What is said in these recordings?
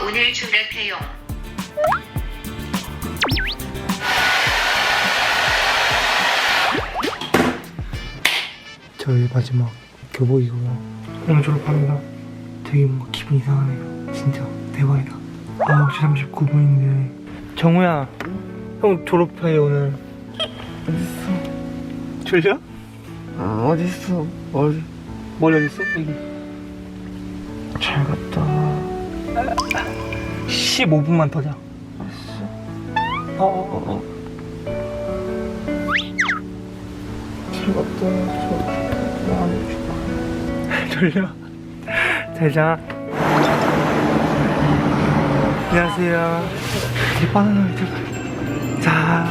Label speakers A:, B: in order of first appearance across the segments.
A: 문을 충격해요.
B: 저희 마지막 교복이고요. 오늘 졸업합니다. 되게 뭔가 기분 이상하네요. 진짜 대박이다. 9시 39분인데 정우야, 형 졸업해 오늘. 어딨어? 졸려?
C: 아 어딨어?
B: 머리 어딨어? 여기. 잘 갔다. 15분만 더 자. 잘 갔다. 졸려? 잘 자. 안녕하세요. 제 바나나 왜 자.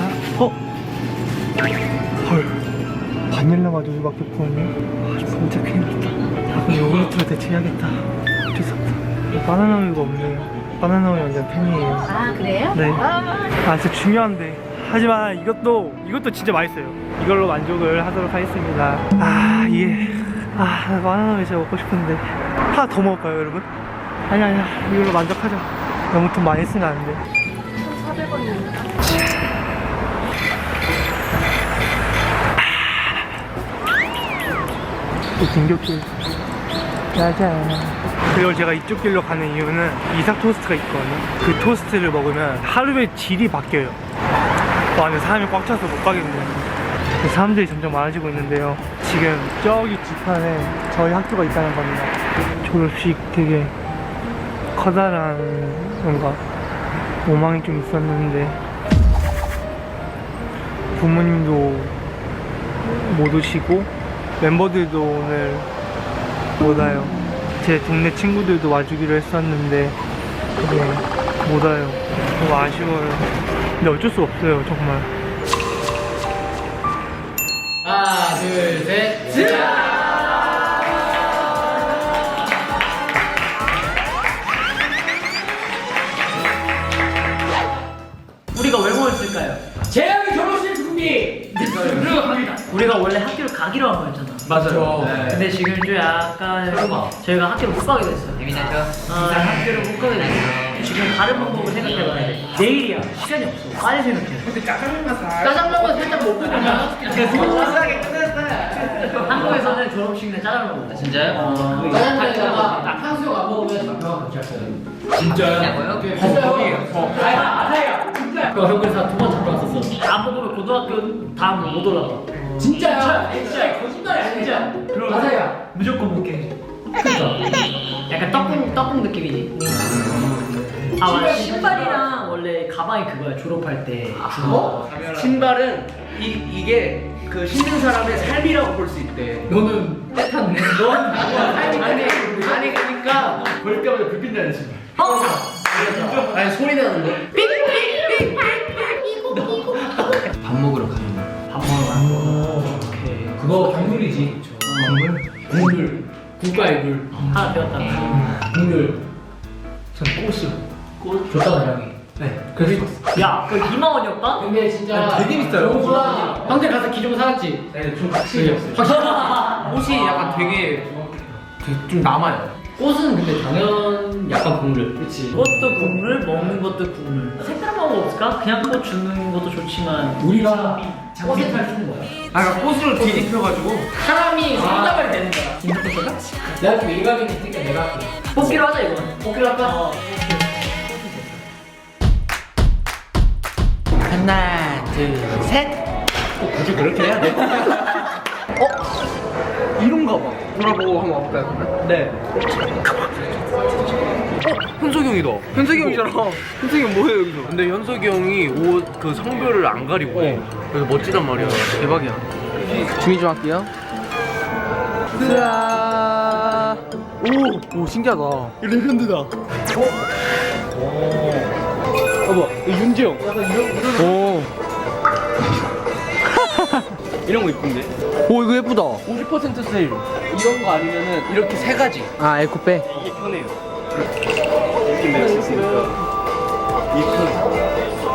B: 헐. 바닐라 맛도 맡겼거든요. 진짜 큰일 났다. 아, 그럼 요구르트로 대체해야겠다. 어쩔 수 없다. 바나나 우유가 없네요. 바나나 우유 완전 팬이에요.
D: 아 그래요?
B: 네. 아 진짜 중요한데. 하지만 이것도 진짜 맛있어요. 이걸로 만족을 하도록 하겠습니다. 나 바나나 우유 진짜 먹고 싶은데 하나 더 먹을까요 여러분? 아니야 이걸로 만족하자. 너무 돈 많이 쓰면 안 돼.
D: 1,400원입니다.
B: 또 등굣길. 짜잔. 그리고 제가 이쪽 길로 가는 이유는 이삭 토스트가 있거든요. 그 토스트를 먹으면 하루에 질이 바뀌어요. 안에 사람이 꽉 차서 못 가겠네요. 사람들이 점점 많아지고 있는데요. 지금 저기 뒷판에 저희 학교가 있다는 겁니다. 졸업식 되게 커다란 뭔가 오망이 좀 있었는데 부모님도 못 오시고 멤버들도 오늘 못 와요. 제 동네 친구들도 와주기로 했었는데 그게 못 와요. 너무 아쉬워요. 근데 어쩔 수 없어요 정말.
E: 하나, 둘, 셋.
F: 우리가 왜 모였을까요?
E: 재영이 결혼식 준비. 그리고 갑니다.
F: 우리가 원래 학교를 가기로 한 거였잖아.
E: 맞아요.
F: 근데 지금 좀 약간 저희가 학교를 못 가게 됐어요.
E: 재밌죠?
F: 학교를 못 가게 됐어요. 지금 다른 방법을 생각해봐야 돼. 내일이야. 시간이 없어. 빨리 생각해.
E: 근데 짜장면만 살짝 먹고 그냥 소소하게 끝냈어요.
F: 한국에서는 졸업식 날 짜장면 먹어.
E: 진짜요? 짜장면에다가 탕수육 안 먹으면 장난 같이 하어요. 진짜요? 됐어요. 아사야. 진짜.
F: 형 그래서 두 번 잡고 왔었어. 안 먹으면 고등학교 다음 못 올라가.
E: 진짜야? 진짜 거짓말이 아니야.
F: 그럼
E: 아사야.
F: 무조건 먹게. 그러니까 약간 떡국 느낌이지. 아 맞아. 신발이랑 원래 가방이 그거야. 졸업할 때.
E: 어?
C: 신발은 이게 그 신는 사람의 삶이라고 볼 수 있대.
E: 너는 떼탔네. 넌
C: 아니 그러니까 볼 때마다 불빛 나는 신발. 아니 소리 나는 거. 밥 먹으러 가는 거.
F: 밥 먹으러 가. 오케이.
E: 그거 국물이지. 국물. 국가의 물.
F: 하나 배웠다.
E: 국물.
B: 전 꽃이요.
F: 꽃?
E: 줬다 고양이.
B: 네.
E: 그래서
F: 야, 그 2만 원이었다?
E: 근데 진짜
C: 되게 비싸요.
E: 좋구나. 형들 가서 기종 사왔지?
C: 네, 좀 확실히 없어요. 옷이 약간 되게 좀 남아요.
E: 꽃은 근데 당연 약간 국물. 그렇지.
F: 꽃도 국물, 먹는 것도 국물. 색다른 방법 없을까? 그냥 꽃 주는 것도 좋지만
E: 우리가 꽃에 탈 주는 거야.
C: 그러니까 꽃으로 뒤집혀가지고
E: 사람이
F: 손잡아야 되는 거야.
E: 김부터 써가? 내가 좀 일각이 있으니까 내가 할게.
F: 뽑기로 하자 이건.
E: 뽑기로 할까?
C: 하나, 둘, 셋. 굳이 그렇게 해야 돼? 이런가 봐. 돌아보고 한번 와볼까요? 그러면? 네. 현석이 형이다. 현석이 형이잖아. 현석이 형 뭐해 여기서? 근데 현석이 형이 옷 그 성별을 안 가리고 해. 그래서 멋지단 말이야. 대박이야. 준비 좀 할게요. 으아. 오 신기하다. 이거 레전드다. 봐봐, 윤지영. 약간 이런. 이런 거 이쁜데? 오 이거 예쁘다. 50% 세일. 이런 거 아니면은 이렇게 세 가지. 아 에코백. 이게 편해요. 이렇게 낼 수 있으니까. 이 편.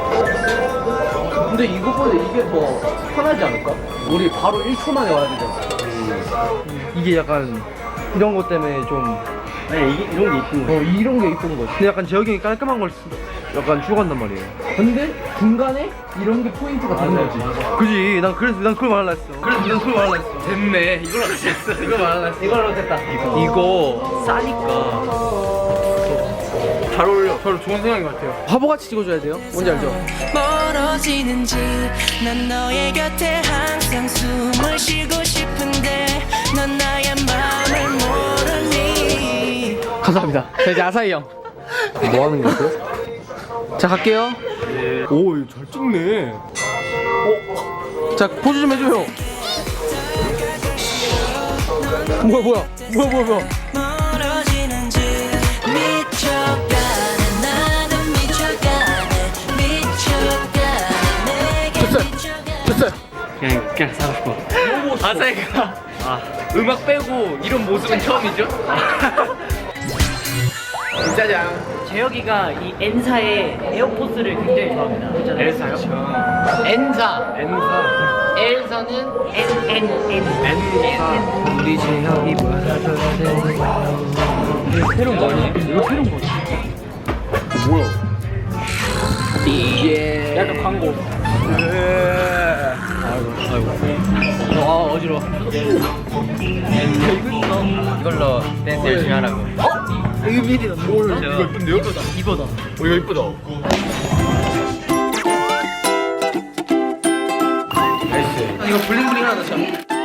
C: 근데 이거보다 이게 더 편하지 않을까? 우리 바로 1초 만에 와야 되잖아. 이게 약간 이런 것 때문에 좀 아니 이게 이런 게 이쁜 거. 이런 게 이쁜 거지.
B: 근데 약간 재혁이 형이 깔끔한 걸 약간 주고 간단 말이에요.
C: 근데 중간에 이런 게 포인트가 되는 거지.
B: 그지? 난 그걸 말하려 했어.
C: 됐네. 이걸로 됐어. 이거 말하려 했어. 이걸로 됐다. 이거 싸니까.
B: 잘 어울려. 별로 좋은 생각인 것 같아요.
C: 화보같이 찍어줘야 돼요. 뭔지 알죠?
A: 멀어지는지 난 너의 곁에 항상 숨을 쉬고 싶은데 넌 나의 마음을 모르니.
C: 감사합니다. 자 이제 아사히 형. 뭐 하는 거죠? 자 갈게요.
B: 오, 이거 잘 찍네.
C: 자 포즈 좀 해줘요. 뭐야.
A: 멀어지는지 미쳐가네 나도 미쳐가네 내게
C: 됐어요.
E: 그냥 사고 싶어.
C: 아사히가 음악 빼고 이런 모습은 처음이죠? 짜잔.
F: 재혁이가 이 N사의 에어포스를 굉장히 좋아합니다.
C: 엘사요? 엔사. 엘사는
F: N.
C: 우리 재혁이 새로운 거니? 이거 새로운 거지? 뭐야? 이게 약간 광고. 아이고. 어지러워. 이걸로 댄스 열심히 하라고.
B: 이거 미리다. 이거 이쁜데요?
C: 이거다.
B: 이거 이쁘다.
C: 이거 블링블링 하나 넣자.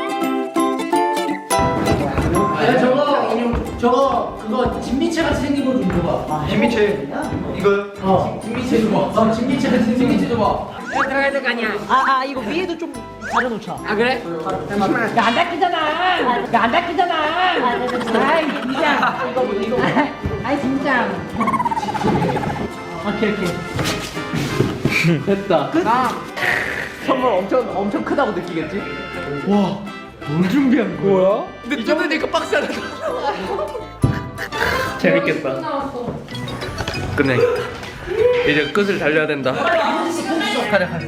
F: 그거 진미채 같이 생긴 거 좀 줘봐.
B: 진미채. 이거
F: 진미채 줘봐. 진미채 줘봐. 들어가야 될 거 아니야. 이거 위에도 좀 가려놓자.
C: 아 그래?
F: 야안 닦이잖아. 아이 진짜. 이거. 아이 진짜. 오케이.
C: 됐다. 선물 엄청 크다고 느끼겠지? 와, 뭘 준비한 거야? 근데 이 정도니까 박스 하나 더. 재밌겠다. 끝내겠다. 이제 끝을 달려야 된다. 가자.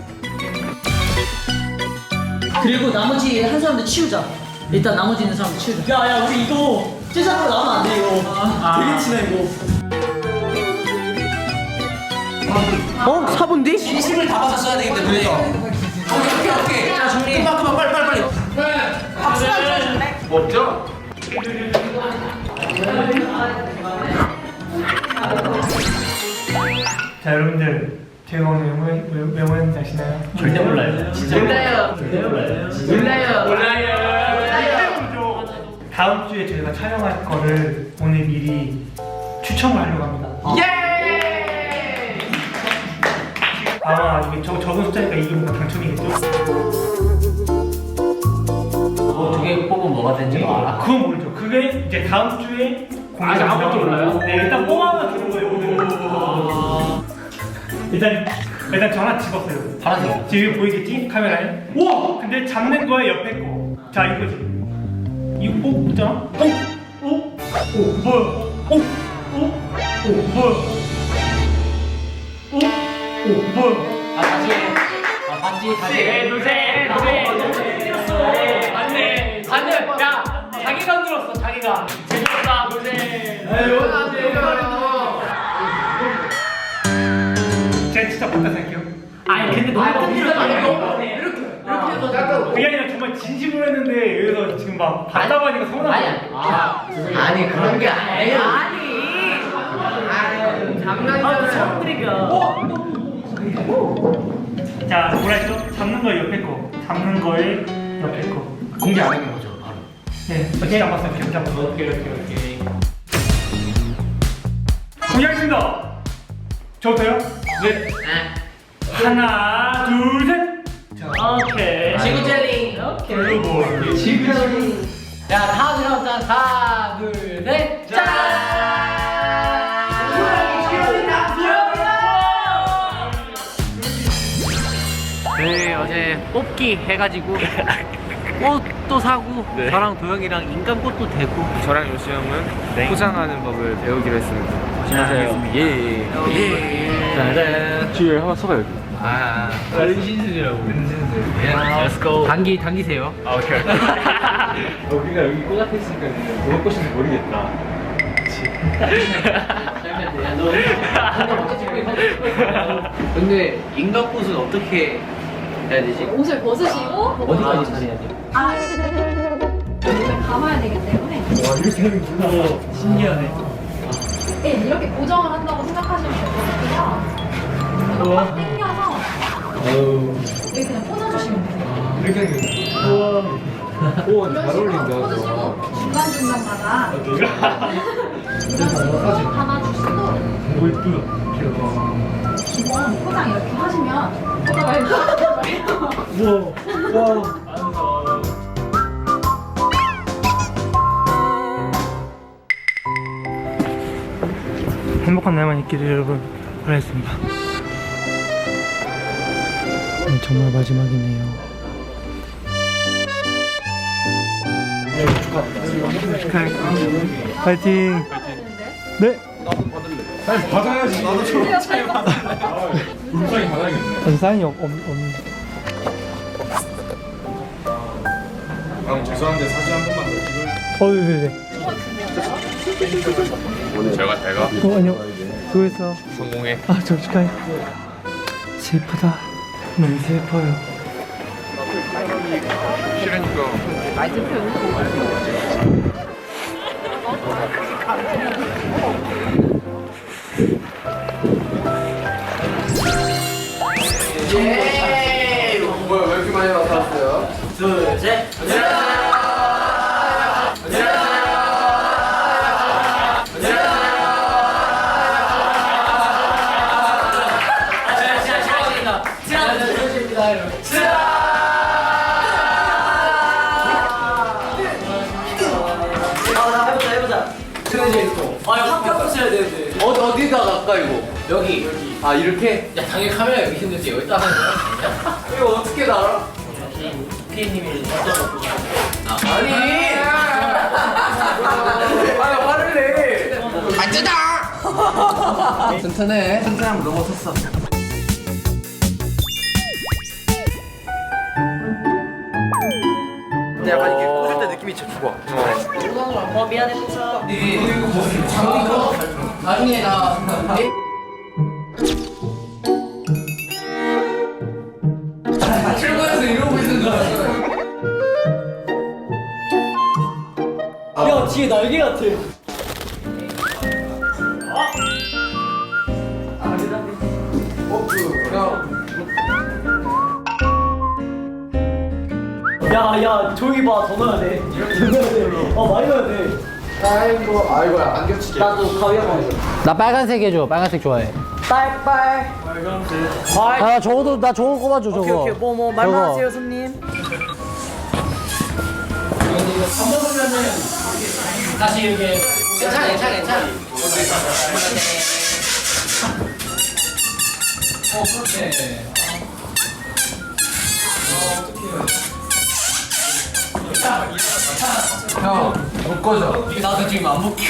F: 그리고 나머지 한 사람들 치우자. 일단 나머지 있는 사람들 치우자. 야 우리 이거 찌장으로 나오면 안 돼 이거. 되게 친해 이거.
C: 4분뒤?
E: 힘을 다 받아 써야 되기 때문에. 오케이.
F: 자 정리.
E: 그만 빨리.
C: 없죠?
B: 자, 여러분들 제가 오늘 왜 모였는지 아시나요?
F: 절대 몰라요. 진짜 몰라요.
B: 다음 주에 저희가 촬영할 거를 오늘 미리 추첨을 하려고 합니다.
C: 예!
B: 아마 이게 적은 숫자니까 이게 뭔가 당첨이겠죠?
E: 두 개 뽑으면 뭐가 되는지 알아?
B: 그건 모르죠. 그게 이제 다음 주에 공개가
E: 아무것도 몰라요?
B: 네, 일단 뽑아만 주는 거예요 오늘. 일단 저 하나 집었어요.
E: 파란색.
B: 지금 보이겠지? 카메라에. 우와! 근데 잡는 거에 옆에 거. 자 이거지. 이거 뽑잖아. 오 뭐야? 오 뭐야? 오 뭐야?
E: 반지.
F: 안돼. 야 자기가 흔들었어 자기가. 제주도가 노래.
B: 제가 진짜 바꿔서 할게요.
F: 아니 근데 너무 흔들어.
B: 그게 아니라 정말 진심으로 했는데 여기서 지금 막 답답하니까 서운하고.
E: 아니 그런 게 아니야.
B: 자 뭐라 했죠? 잡는 거 옆에 거. 잡는 거에 옆에 거.
E: 공개 안 하는 거죠 바로.
B: 네, 어떻게 잡았어요? 계속 잡았어. 오케이. 공개하겠습니다. 저부터요? 네. 하나, 둘, 셋. 오케이.
F: 지구 젤리. 오케이.
B: 블루볼.
F: 지구 젤리. 야 다 들어왔자. 하나 둘 셋. 짠.
C: 네, 어제 뽑기 해가지고 꽃도 사고 저랑 도영이랑 인간꽃도 대고
G: 저랑 요시 형은 포장하는 법을 배우기로 했습니다.
C: 안녕하세요.
G: 예.
C: 짜잔.
G: 뒤에 한번 서봐 여기.
C: 은신술이라고. Let's go. 당기세요.
G: 오케이. 우리가 여기 꽃 앞에 있으니까 뭐가 꽃인지 모르겠다.
C: 근데 인간꽃은 어떻게 해야 되지?
D: 옷을 벗으시고
C: 어디까지 다녀야 돼?
D: 아 옷을 감아야 되기 때문에
B: 신기하네.
D: 네, 이렇게 고정을 한다고 생각하시면 될 것 같고요. 이거 꽉 당겨서 여기 그냥 꽂아주시면 돼요.
B: 이렇게 우와. 우와,
D: 이런 식으로 꽂으시고 중간중간마다 이런 식으로 감아주시고
B: 오, 이쁘다.
D: 기본 포장 이렇게 하시면 꽂아봐요.
B: 우와. 우와. 행복한 날만 있기를 여러분 바라겠습니다. 정말 마지막이네요. 축하합니다. 파이팅. 네. 전 사인이 없는데.
H: 죄송한데 사진 한 번만 더 찍을.
B: 네네.
H: 제가
B: 아니요. 수고했어.
H: 성공해.
B: 저 축하해. 슬프다. 너무 슬퍼요.
H: 싫으니까.
C: 뭐야 왜 이렇게 많이 나타났어요?
F: 둘, 셋.
C: 어디다 갈까 이거? 여기. 아 이렇게?
E: 야 당연히 카메라 여기 있는데 여기다 하는 거야?
C: 이거 어떻게 알아?
F: 피디님이
C: 아니. 아 화를 내. 앉으다. 튼튼해. 튼튼함을 넘어섰어.
G: 근데 약간 이게 꽂을 때 느낌이 진짜 좋아.
F: 미안해 포차.
C: 나중에 나. 출근해서 이러고 있는 줄 알았어.
F: 야 뒤에 날개 같아. 야 조용히 봐. 더 넣어야 돼. 더 넣어야 돼. 많이 넣어야 돼.
C: 아이고야 안 겹치게.
F: 나도 가위 한번 해줘.
E: 나 빨간색 해줘. 빨간색 좋아해.
F: 빨빨.
E: 아 저거도 나 저거 꼽아줘 저거.
F: 오케이 뭐 말만
E: 저거.
F: 하세요 손님.
E: 다시 이렇게.
C: 괜찮아. 형, 못 꺼져.
E: 나도 지금 안 먹혀.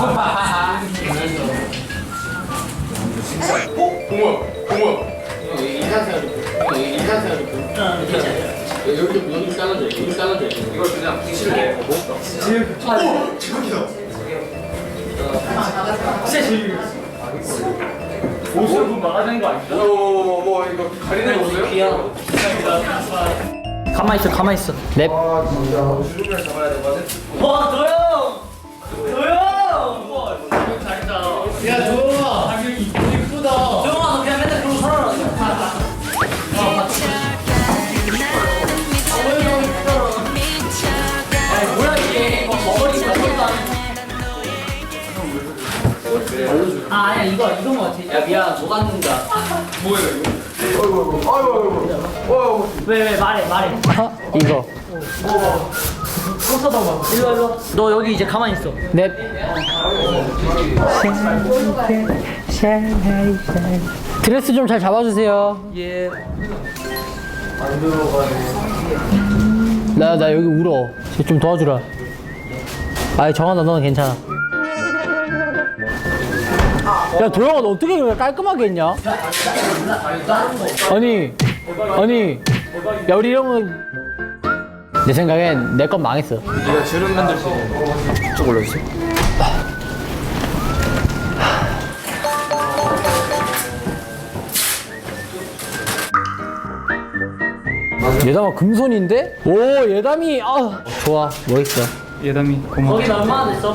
C: 여기 까놔줘. 이걸 그냥 붙이는 거고.
B: 옷을 좀 막아야 되는 거 아닌가?
C: 뭐 이거 가리는 거 없어요?
F: 가만 있어.
E: 넵.
F: 와 도영.
E: 야 조용아. 이쁘다.
F: 도영아 너 그냥 맨날 그러고 살아라. 뭐야 이게 머리 같지도 않은. 아니야 이건 거 같아. 야 미안 녹았는다. 왜 말해.
E: 이거.
F: 일로. 너 여기 이제 가만히 있어.
E: 넵. 드레스 좀 잘 잡아주세요.
F: 예.
E: 나 여기 울어. 좀 도와주라. 아이 정한아 너는 괜찮아. 야 도영아 너 어떻게 그렇게 깔끔하게 했냐? 아니 야 우리 이런 거내 생각엔 내 건 망했어.
G: 네가 주름 만들 수 있는 거. 쭉 올려주세요.
C: 예담아 금손인데? 오 예담이 좋아 멋있어.
H: 예담이 고마워.
F: 거긴 얼마나 됐어?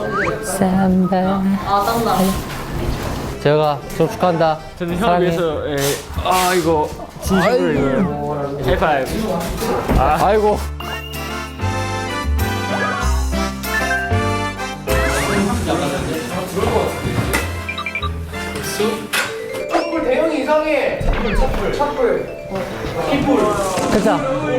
F: 아 땀나.
C: 재혁아 졸업 축하한다.
H: 저는 형을
C: 사랑해.
H: 위해서 이거 진심으로 이거 하이파이브.
C: 아이고.
E: 촛불 대형이 이상해. 촛불.
C: 됐다.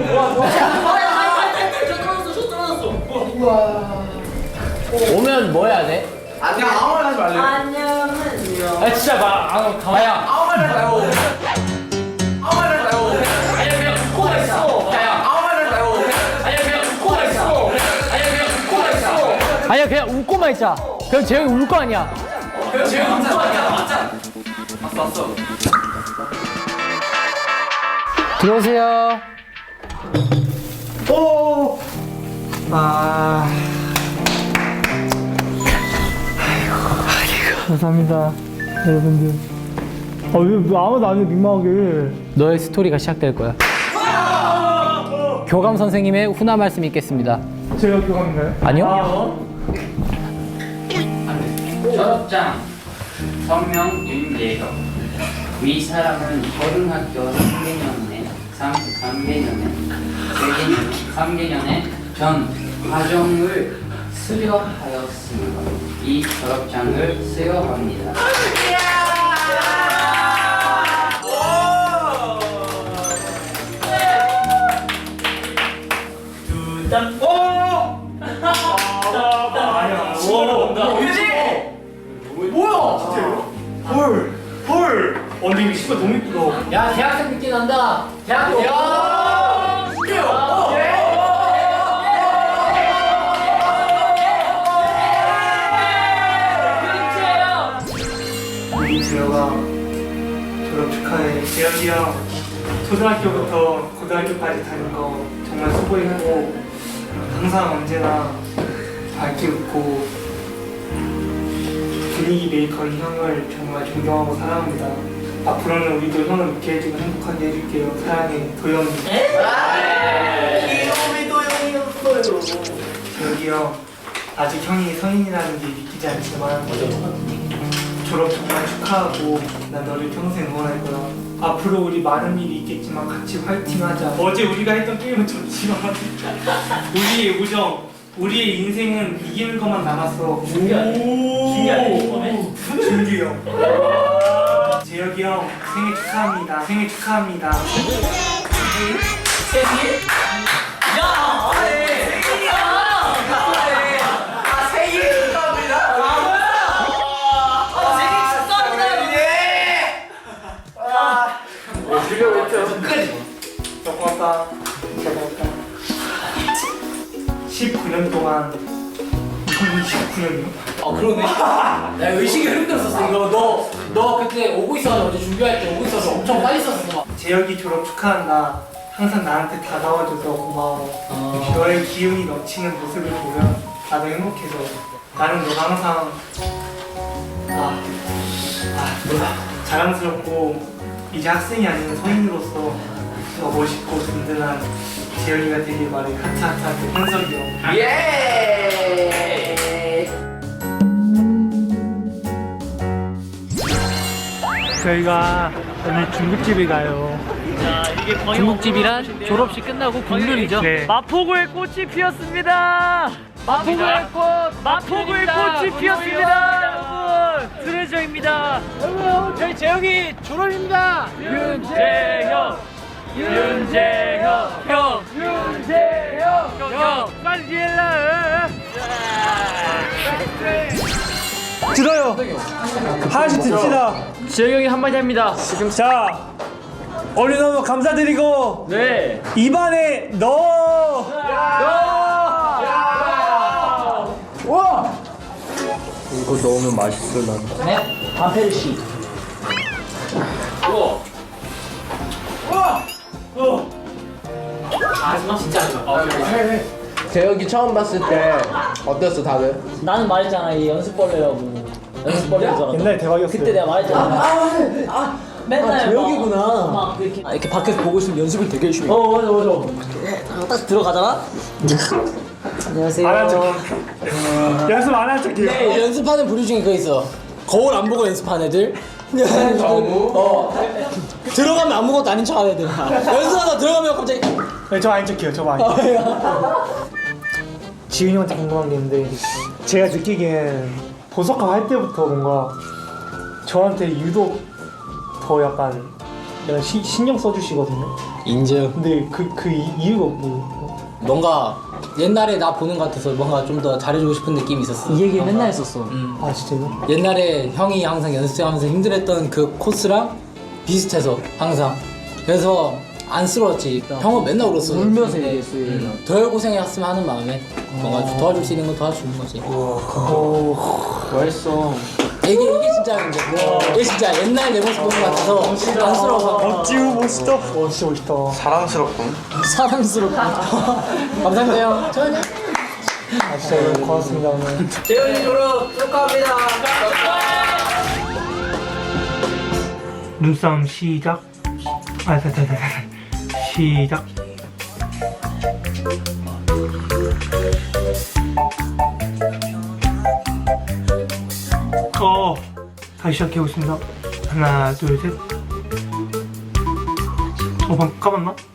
C: 오면 뭐 해야 돼?
E: 그냥 아무 말 하지 말래.
C: 아 진짜 가야.
E: 아무 말 하지 말고. 아무 말 하지 말고.
F: 아니 그냥 코가 있어.
E: 아무 말 하지 말고.
F: 아니 그냥 코가 있어. 아니 그냥 코가 있어.
C: 아니야 그냥 웃고만 있자. 그럼 재혁이 울 거 아니야.
E: 지금 감사 아니야. 맞잖아. 왔어.
C: 들어오세요.
B: 오! 아. 아이고, 감사합니다. 여러분들. 왜 아무도 안 해, 민망하게.
C: 너의 스토리가 시작될 거야. 교감 선생님의 훈화 말씀 있겠습니다.
B: 제가 교감인가요?
C: 아니요?
I: 졸업장 성명 윤예혁 위 사람은 고등학교 3개년에 전 과정을 수료하였으므로 이 졸업장을 수여합니다.
B: 헐! 근데 이거 신발 너무 이쁘다.
F: 야 대학생 느낌 난다. 대학교.
B: 우리 재혁아 졸업 축하해. 재혁이 형 초등학교부터 고등학교까지 다닌 거 정말 수고했고 항상 언제나 밝게 웃고 분위기 메이커인 형을 정말 존경하고 사랑합니다. 앞으로는 우리도 형을 웃게 해주고 행복하게 해줄게요. 사랑해 도영이.
E: 귀여움이 도영이었어요.
B: 재혁이 형 아직 형이 성인이라는 게 믿기지 않지만 졸업 정말 축하하고 난 너를 평생 응원할 거야. 앞으로 우리 많은 일이 있겠지만 같이 화이팅하자. 어제 우리가 했던 게임은 좋지만 우리의 우정, 우리의 인생은 이기는 것만 남았어.
F: 준기 아니야?
B: 준기 형. 재혁이 형 생일 축하합니다. 생일 축하합니다.
F: 생일? 야!
E: 생일 축하합니다.
B: 고맙다. 진짜 고맙다. 19년 동안 19년이요?
C: 그러네. 야 의식이 흐름들었었어. 이거 너 그때 오고 있어가지고 어제 준비할 때 오고 있어서 엄청 빨리 썼어.
B: 재혁이 졸업 축하한다. 항상 나한테 다가와줘서 고마워. 너의 기운이 넘치는 모습을 보면 나도 행복해져. 나는 너가 항상 자랑스럽고 이제 학생이 아닌 성인으로서 더 멋있고 든든한 재혁이가 되길 바래. 하트하트하트 현석이 형.
E: 예.
B: 저희가 오늘 중국집에 가요.
F: 자 이게
C: 중국집이란 졸업식 끝나고 국룰이죠.
B: 네.
F: 마포구에 꽃이 피었습니다. 마포구에 꽃이 피었습니다. 여러분 트레저입니다. 여러분 저희 재혁이 졸업입니다. 윤재혁 형 빨리 일러.
B: 들어요. 하나씩 듭시다.
F: 재혁이 형이 한마디 합니다.
B: 자, 어린 너무 감사드리고
F: 네.
B: 입안에 넣어. 와.
C: 이거 넣으면 맛있을 난.
F: 네. 반페르시. 아 진짜
C: 재혁이 처음 봤을 때 어땠어 다들?
F: 나는 말했잖아 이 연습벌레라고. 연습벌레인 줄 알았다.
B: 옛날에 대박이었어요.
F: 그때 내가 말했잖아. 맨날
C: 재혁이구나.
F: 막 이렇게
C: 이렇게 밖에서 보고 있으면 연습을 되게 열심히 해.
F: 맞아
C: 딱 들어가잖아? 안녕하세요.
B: 안 한 척. 연습 안 한 척해요.
C: 네, 연습하는 부류 중에 그거 있어. 거울 안 보고 연습하는 애들. 들어가면 아무것도 아닌 척 하는 애들. 연습하다 들어가면 갑자기.
B: 네, 저 아닌 척해요. 저 아닌 척. 지훈이 형한테 궁금한 게 있는데 제가 느끼기엔 보석화 할 때부터 뭔가 저한테 유독 더 약간 신경 써주시거든요.
C: 인정.
B: 근데 그 이유가 뭐?
C: 뭔가 옛날에 나 보는 것 같아서 뭔가 좀 더 잘해주고 싶은 느낌이 있었어.
F: 이 얘기 맨날 했었어.
B: 아 진짜요?
C: 옛날에 형이 항상 연습하면서 힘들었던 그 코스랑 비슷해서 항상. 그래서 안쓰러웠지. 형은 맨날 울었어.
F: 울면서
C: 근데
F: 얘기했어.
C: 덜 고생했으면 하는 마음에 뭔가 도와줄 수 있는 건 도와주는 거지.
H: 멋있어.
C: 이게 진짜 근데 이게 진짜 옛날 내 모습 보는 것 같아서 안쓰러워.
B: 멋지고 멋있다. 진짜 멋있다.
G: 사랑스럽군.
C: 사랑스럽고. 감사합니다 형. 저는
B: 아 진짜 고맙습니다 오늘.
F: 재훈이 졸업 축하합니다.
B: 눈싸움 시작. 시작. 다시 시작해보겠습니다. 하나, 둘, 셋. 방금 까봤나?